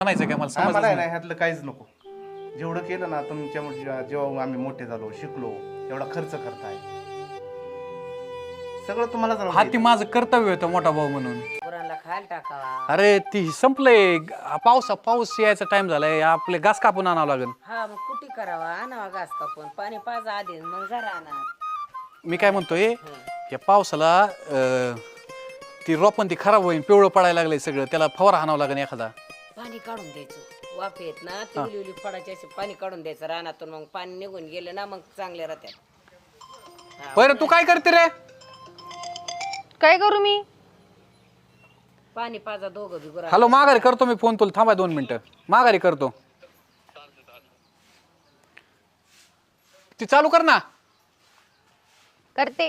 म्हणायचं काय मला मला समजलं आहे नाही. ना ह्यातलं काहीच नको. जेवढं केलं ना तुमच्या जेव्हा आम्ही मोठे झालो शिकलो एवढा खर्च करताय सगळं तुम्हाला हा ती माझं कर्तव्य होतं मोठा भाऊ म्हणून. गुरांना खायला टाकावा. अरे ती संपलंय. पाऊस यायचा टाइम झालाय. आपले घास कापून आणावं लागेल. हा मग कुटी करावा आणावा घास कापून पाणी पाजा आधी मग जरा आणा. मी काय म्हणतोय या पावसाला ती रोपण ती खराब होईल पिवळं पडायला लागलंय सगळं. त्याला फवारा हाणावं लागेल एखादा. पाणी काढून द्यायचं वाफ येत ना ती उली फडायची अशी पाणी काढून द्यायचं रानातून मग पाणी निघून गेलं ना मग चांगले राहतात. बरं तू काय करते रे? काय करू मी? पाणी पाजा दोघं बी गुरा. हॅलो माघारी करतो मी फोन. तुला थांबा 2 मिनिटं. माघारी करतो. ती चालू कर ना. करते.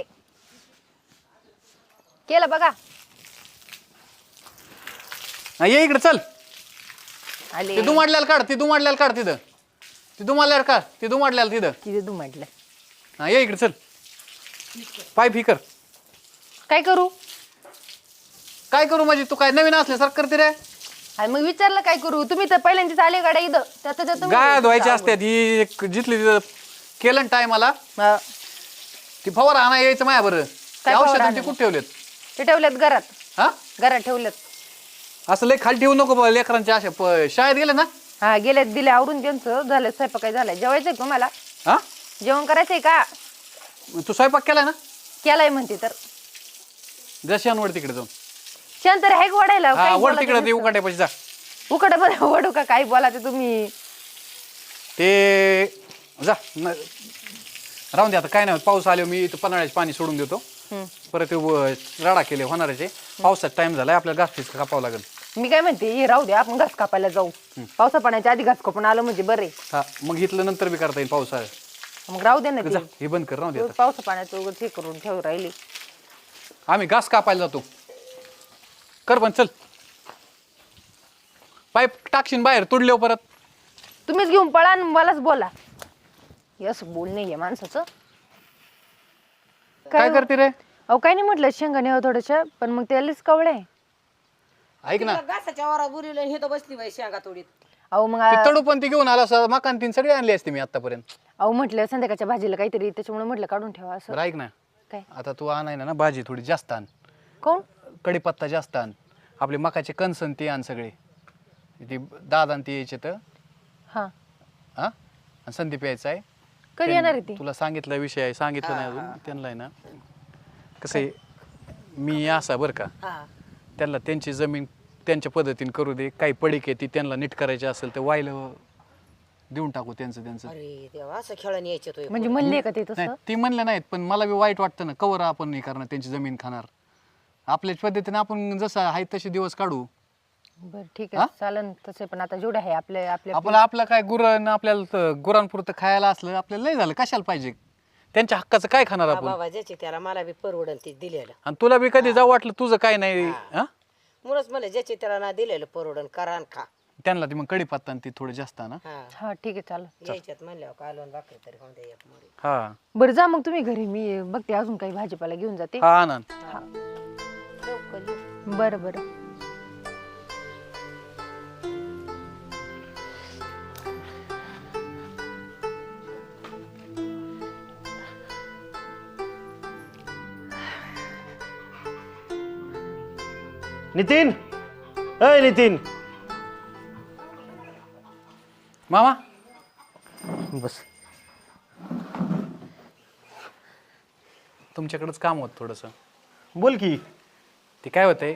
केलं बघा. ये इकडे चल. आले. ती दुमाडल्याला काढ. ती दुमाडल्याला काढ तिथं. ती दुमाडल्याला काढ. ती दुमाडल्याला तिथं. किती तू म्हटलं. हा ये इकडे चल. पाईप ही कर. काय करू? काय करू म्हणजे तू काय नवीन असल्यासारखं करते रे? अरे मग विचारलं काय करू? तुम्ही तर पहिल्यांदाच आले गाड्या इथं त्याचं तुम्ही गाय धुवायची असतात ही जिथली तिथं केलं टायमाला हा. ती फवारा आणा यायचं माया बरं. काय औषध फवारा ते कुठे ठेवलेत? ते ठेवलेत घरात. हा घरात ठेवलेत. असं लय खाली ठेवू नको लेकरांच्या अशा शाळेत गेले ना. हा गेलेत दिले आवरून त्यांचं झालं स्वयंपाक काय झालाय जेवायचंय तुम्हाला हा जेवण करायचंय का? तू स्वयंपाक केलाय ना? केलाय म्हणते तर जशांवर तिकडे जाऊन शांत आहे वाढायला हा वर तिकडे ते उकाट्यापाशी जा. उकडे पण वडू का काही बोलायचं तुम्ही. ते जा राहून दे आता काय नाही. पाऊस आलो मी इथं पन्हाळ्याचे पाणी सोडून देतो. परत ते राडा केले होणाराचे. पावसात टाइम झालाय आपल्याला घास कापावं लागेल. मी काय म्हणते हे राहू दे आपण घास कापायला जाऊ. पावसा पाण्याच्या आधी घास कापून आलं म्हणजे बरे. हा मग इथलं नंतर बी करता येईल पावसाळ्यात. मग राहू दे ना जा ते. हे बंद कर. राहू दे आता. पावसा पाण्याचं उगाच हे करून ठेव राहिली. आम्ही घास कापायला जातो. कर पण चल. पाईप टाकशीन बाहेर तुडले परत. तुम्हीच घेऊन पळा आणि मलाच बोला. यस बोल नाहीये माणसाचं. काय करते रे? अहो काय नाही म्हटलं शेंगाने हवं थोडंसं पण मग त्यालाच कवळे. ऐक ना घासाच्या वारा बुरीला हे तर बसली बाई शेंगा तोडीत. अहो मग ते तडू पण ती घेऊन आला असं मकान तीन सगळी आणली असते मी आतापर्यंत. अहो म्हटलं संध्याकाळच्या भाजीला काहीतरी त्याच्यामुळे म्हटलं काढून ठेवा असं. बरं ऐक ना काय आता तू आणाय ना भाजी थोडी जास्त आण. कोण? कढीपत्ता जास्त आण. आपले मकाचे कणसन ते आण सगळे. ती दादा ते यायचे तर हा हा आणि संदीप यायचा आहे. कधी येणार आहे ती? तुला सांगितलं विषय आहे सांगितलं नाही अजून त्यांना आहे ना. कसं आहे मी असा बरं का हा त्यांना त्यांची जमीन त्यांच्या पद्धतीने करू दे. काही पडीक आहे ती त्यांना नीट करायची असेल तर वाहिलं देऊन टाकू त्यांचं त्यांचं. अरे देवा असं खेळून यायचे तो. म्हणजे म्हणले का ते नाही तसं? ती म्हणलं नाहीत पण मला बी वाईट वाटतं ना. कवर आपण नाही करणार त्यांची जमीन खाणार. आपल्याच पद्धतीने आपण जसं आहे तसे दिवस काढू. बरं ठीक आहे चालन तसे पण आता जेवढे आहे आपले आपले आपलं काय गुरण आपल्याला गुरांपुरतं खायला असलं आपल्याला लय झालं. कशाला पाहिजे? त्यांच्या हक्काचं काय खाणार आपण? बाबा ज्याची त्याला मला बी परवडल ते दिलेलं. आणि तुला बी कधी जाऊ वाटलं तुझं काय नाही हा म्हणूनच मला ज्याची त्याला ना दिलेलं परवडन करा आणि खा. त्यांना ती मग कढीपत्ता आणि ती थोडं जास्त ना. हा हा ठीक आहे चालेल. यायच्यात म्हणल्यावर कालवण भाकरी तरी होऊन द्या एक मोरी. हा बरं जा मग तुम्ही घरी मी बघते अजून काही भाजीपाला घेऊन जाते. हा आनंद. लवकर ये. बरं बरं नितीन अय नितीन मामा बस. तुमच्याकडेच काम होत थोडंसं. बोल की. ते काय होतंय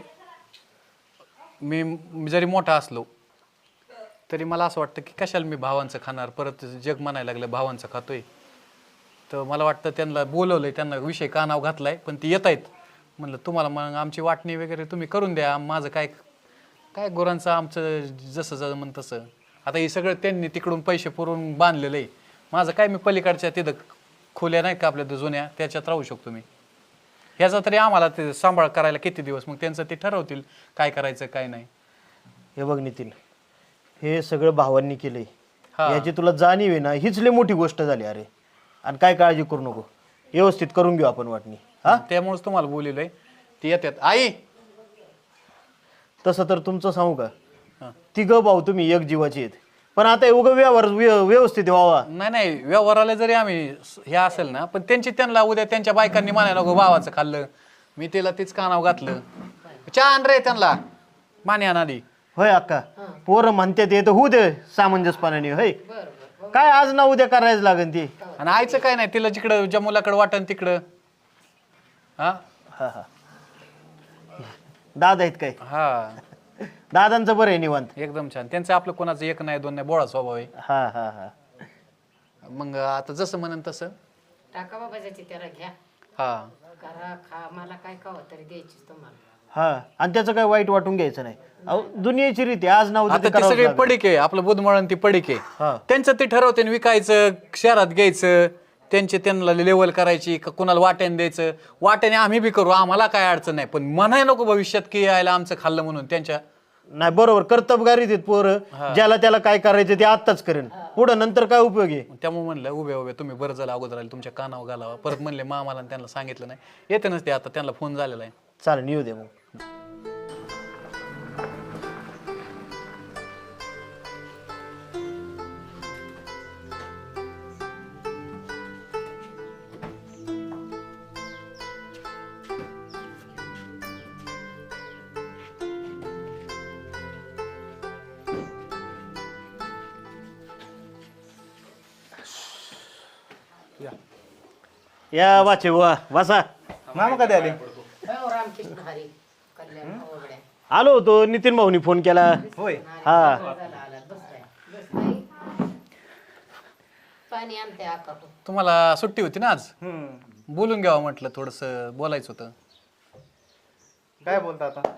मी जरी मोठा असलो तरी मला असं वाटतं की कशाला मी भावांचं खाणार. परत जग म्हणायला लागलं भावांचं खातोय. तर मला वाटतं त्यांना बोलवलंय त्यांना विषय कानाव घातलाय पण ती येत आहेत. म्हणलं तुम्हाला मग आमची वाटणी वगैरे तुम्ही करून द्या. माझं काय काय गुरांचं आमचं जसं जमन तसं. आता हे सगळं त्यांनी तिकडून पैसे पुरवून बांधलेलं आहे. माझं काय मी पलीकडच्या तिथं खोल्या नाही का आपल्या जुन्या त्याच्यात राहू शकतो मी. ह्याचा तरी आम्हाला ते सांभाळ करायला किती दिवस मग त्यांचं ते ठरवतील काय करायचं काय नाही. हे बघ नितीन हे सगळं भावांनी केलंय. हा. याची तुला जाणीव आहे ना हीच लय मोठी गोष्ट झाली अरे. आणि काय काळजी करू नको व्यवस्थित करून घेऊ आपण वाटणी. हा त्यामुळेच तुम्हाला बोललोय ती येतात. आई तसं तर तुमचं सांगू का तिघं भाऊ तुम्ही एक जीवाचे आहेत, पण आता उगं व्यवस्थित व्हावा. नाही व्यवहाराला जरी आम्ही हे असेल ना, पण त्यांना उद्या त्यांच्या बायकांनी म्हणायला नको भावाचं खाल्लं, मी तिला तीच कानाव घातलं. चहा आण रे त्यांना, माने आणाली. होय अक्का, पोरं म्हणतात ते तर होऊ दे सामंजस्यपणाने. होय काय आज ना उद्या करायचं लागेल ती. आणि आईचं काय नाही, तिला जिकडं ज्या मुलाकडं वाटन तिकडं. हा हा हा, दादा आहेत काय? हा दादांचं बरं आहे निवांत. एकदम छान. त्यांचं आपलं कोणाचं एक नाही दोन नाही, बोळा स्वभाव आहे. हा हा हा, मग आता जसं म्हणन तसं. टाका बाबा ज्याची त्याला घ्या, हा करा खा, मला काय खावं तरी द्यायचीच तुम्हाला. हा, आणि त्याचं काय वाईट वाटून घ्यायचं नाही. अहो दुनियेची रीती आज ना उद्या आता ते ती करावंच सगळी लागेल. पडीक आहे, आपलं बुधमळण ती पडीक हा. आहे. त्यांचं ते ठरवते न विकायचं, शहरात घ्यायचं, त्यांना लेवल करायची, का कुणाला वाट्याने द्यायचं. वाट्याने आम्ही बी करू, आम्हाला काय अडचण नाही, पण म्हणाय नको भविष्यात की यायला आमचं खाल्लं म्हणून. त्यांच्या नाही बरोबर, कर्तबगारीत आहेत पोरं. ज्याला त्याला काय करायचं ते आत्ताच करेन, पुढं नंतर काय उपयोग आहे. त्यामुळे म्हणलं उभे तुम्ही बरं झालं अगोदर आले, तुमच्या कानावर घालावा. परत म्हणले मामाला आणि त्यांना सांगितलं नाही, येते नसते आता, त्यांना फोन झालेला आहे. चालेल येऊ दे मग. या वाचे वा वासा. मामा कधी आले? हो, रामकृष्ण हरी कल्याण वगैरे आलो होतो, नितीन भाऊनी फोन केला. होय. हा आला. बस पाणी आणते आका. तुम्हाला सुट्टी होती ना आज, हम्म. बोलून घ्यावं म्हटलं, थोडंसं बोलायचं होतं. काय बोलता आता?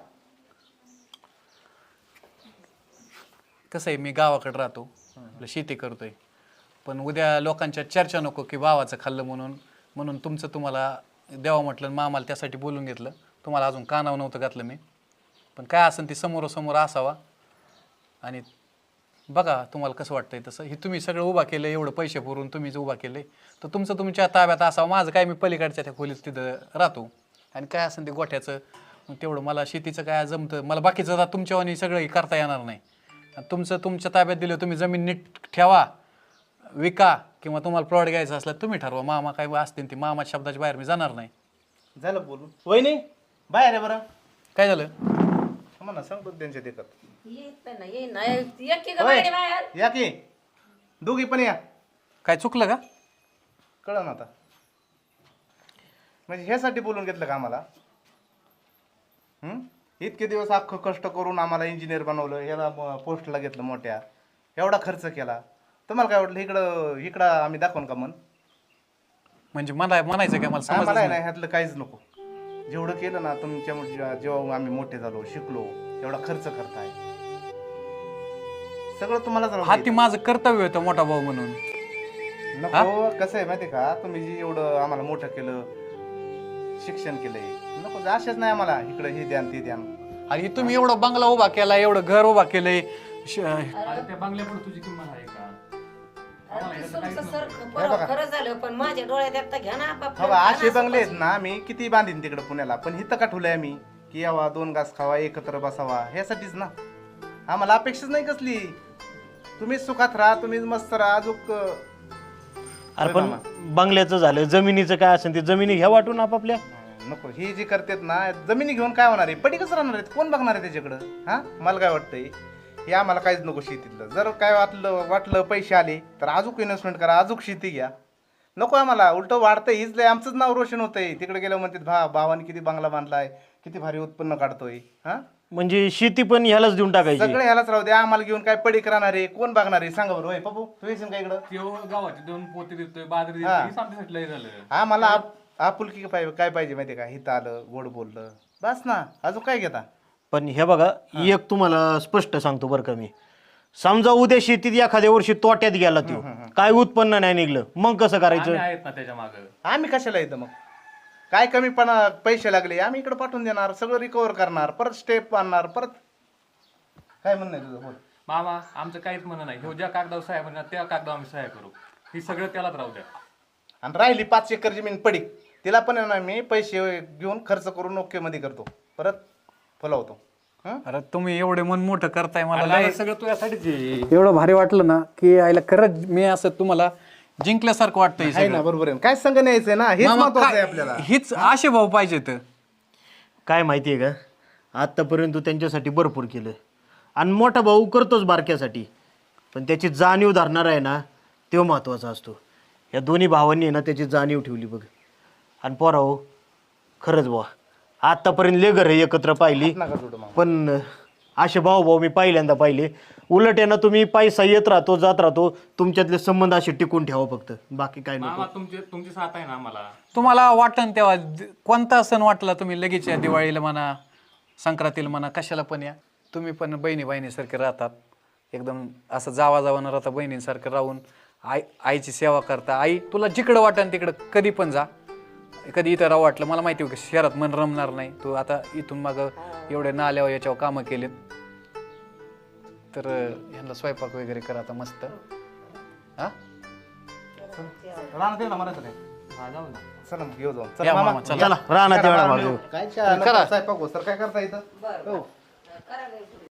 कसं आहे, मी गावाकडे राहतो, आपलं शेती करतोय, पण उद्या लोकांच्या चर्चा नको की भावाचं खाल्लं म्हणून तुमचं तुम्हाला द्यावं म्हटलं. मामाला त्यासाठी बोलून घेतलं. तुम्हाला अजून कानावर नव्हतं घातलं मी, पण काय असेल ती समोरासमोर असावा. आणि बघा तुम्हाला कसं वाटतंय तसं. हे तुम्ही सगळं उभा केलं, एवढं पैसे पुरून तुम्हीच उभा केले, तर तुमचं तुमच्या ताब्यात असावं. माझं काय, मी पलीकडच्या त्या खोलीत तिथं राहतो, आणि काय असेल ते गोठ्याचं मग तेवढं मला शेतीचं काय जमतं. मला बाकीचं आता तुमच्यावानी सगळं करता येणार नाही. तुमचं तुमच्या ताब्यात दिलं, तुम्ही जमीन नीट ठेवा, विका, किंवा तुम्हाला प्लॉट घ्यायचा असला तुम्ही ठरवा. मामा काय असतील ती, मामा शब्दाच्या बाहेर मी जाणार नाही. झालं बोलून. वहिनी बाहेर आहे बरं. काय झालं? म्हणा सांगतो त्यांच्या देखत. येत ना ये ना एक की बाहेर बाहेर या की दोघी पण या. काय चुकलं का? कळलं ना आता. म्हणजे ह्यासाठी बोलून घेतलं का आम्हाला? इतके दिवस अख्खं कष्ट करून आम्हाला इंजिनियर बनवलं, याला पोस्टला घेतलं मोठ्या, एवढा खर्च केला. तुम्हाला काय वाटलं इकडं आम्ही दाखवून का मन? म्हणजे म्हणायचं काय, मला समजलं आम्हाला नाही. नाही ह्यातलं काहीच नको. जेवढं केलं ना तुमच्या जेव्हा आम्ही मोठे झालो, शिकलो, एवढा खर्च करताय, सगळं तुम्हालाच राहू हा ती द्यायचं. माझं कर्तव्य होतं मोठा भाऊ म्हणून. नको. कसं आहे माहिती का, तुम्ही जे एवढं आम्हाला मोठं केलं, शिक्षण केलंय, नको असेच नाही आम्हाला इकडं हे द्या ते द्या. आणि तुम्ही एवढा बंगला उभा केला, एवढं घर उभा केलंय. त्या बंगल्यापुढे तुझी किंमत आहे का? खरं झालं, पण माझ्या डोळ्यात एकटा घ्या ना आपापलं. बाबा असे बंगले आहेत ना, मी किती बांधीन तिकडे पुण्याला, पण इथं का ठेवलंय आम्ही की यावा, 2 घास खावा, एकत्र बसावा, ह्यासाठीच ना. आम्हाला अपेक्षाच नाही कसली. तुम्हीच सुखात राहा, तुम्हीच मस्त राहा. अजून अरे पण बंगल्याचं झालं, जमिनीचं काय असेल ते जमिनी घ्या वाटून आपापल्या. नको. ही जी करतात ना, जमिनी घेऊन काय होणार आहे? पडीकच राहणार आहेत. कोण बघणार आहे त्याच्याकडं? हा, मला काय वाटतंय, हे आम्हाला काहीच नको शेतीतलं. जर काय वाटलं पैसे आले तर अजून इन्व्हेस्टमेंट करा, अजून शेती घ्या. नको आम्हाला. उलटं वाढतंय, हीच लय आमचंच नाव रोशन होतंय. तिकडे गेलं म्हणतात भावाने किती बंगला बांधलाय, किती भारी उत्पन्न काढतोय. हा, म्हणजे शेती पण ह्यालाच देऊन टाकायची. सगळे ह्यालाच राहू द्या. आम्हाला घेऊन काय पडीक राहणार आहे? कोण बघणार आहे? सांगा बरं. होय पप्पू, तू येशील का इकडं? त्यो गावाची 2 पोते देतोय, बाजरी हा. देतोय, आमच्यासाठी लय झालं. आम्हाला आपुलकी काय पाहिजे माहिती का? हिथं आलं, गोड बोललं, बस ना. अजून काय घेता? पण हे बघा, एक तुम्हाला स्पष्ट सांगतो बरं का मी, समजा उद्या शेतीत एखाद्या वर्षी तोट्यात गेला तो, काय उत्पन्न नाही निघलं, मग कसं करायचं? आम्ही आहेत ना त्याच्या मागं. आम्ही कशाला येतं मग? काय कमीपणा पैसे लागले आम्ही इकडे पाठवून देणार, सगळं रिकवर करणार, परत स्टेप आणणार, परत. काय म्हणणं आहे तुझं? बोल. मामा आमचं काहीच म्हणणं नाही, ह्यो ज्या कागदावर सह्या म्हणणार त्या कागदावर आम्ही सह्या करू. ही सगळं त्यालाच राहू द्या. आणि राहिली 5 एकर जमीन पडीक, तिला पण आहे ना मी पैसे घेऊन खर्च करून ओके मध्ये करतो, परत फुलावतो. अरे तुम्ही एवढे मन मोठं करताय मला मला लय सगळं तुझ्यासाठीच आहे. एवढं भारी वाटलं ना की आईला खरंच मी असं तुम्हाला जिंकल्यासारखं वाटतंय आहे सगळं. ना, बरोबर आहे. काय संग न्यायचंय ना, हेच मामा, महत्वाचं आहे काय- आपल्याला. हीच आशे भाऊ पाहिजे तर काय माहिती आहे का आत्तापर्यंत तू त्यांच्यासाठी भरपूर केलं आणि मोठा भाऊ करतोच बारक्यासाठी, पण त्याची जाणीव धरणार आहे ना तो महत्त्वाचा असतो. या दोन्ही भावांनी आहे ना त्याची जाणीव ठेवली बघ. आणि पोरा हो खरंच बुवा आत्तापर्यंत ले घर एकत्र पाहिली, नका जोडू मामा. पण असे भाऊ मी पहिल्यांदा पाहिले. उलट आहे ना तुम्ही पैसा येत राहतो जात राहतो, तुमच्यातले संबंध असे टिकून ठेवा फक्त, बाकी काय नको. मामा तुमची साथ आहे ना आम्हाला. तुम्हाला वाटन तेव्हा कोणता सण वाटला तुम्ही लगेच या, दिवाळीला म्हणा संक्रांतीला म्हणा कशाला पण या. तुम्ही पण बहिणीसारखे राहतात, एकदम असं जावा न राहता बहिणींसारखं राहून आईची सेवा करता. आई तुला जिकडं वाटन तिकडं कधी पण जा, कधी इथं राहू वाटलं मला माहिती आहे की शहरात मन रमणार नाही. तू आता इथून मग एवढे नाल्यावर याच्यावर कामं केलेत, तर ह्यांना स्वयंपाक वगैरे करा आता मस्त. हा रानात ये ना, मरायचं काय? हा, जाऊ ना. चला मग घेऊ जाऊन. या चला मामा, मामा. चला. चला राहणार तेवढा भाऊ. काय चहा, नको, स्वयंपाक हो, सर काय करता इथं? हो.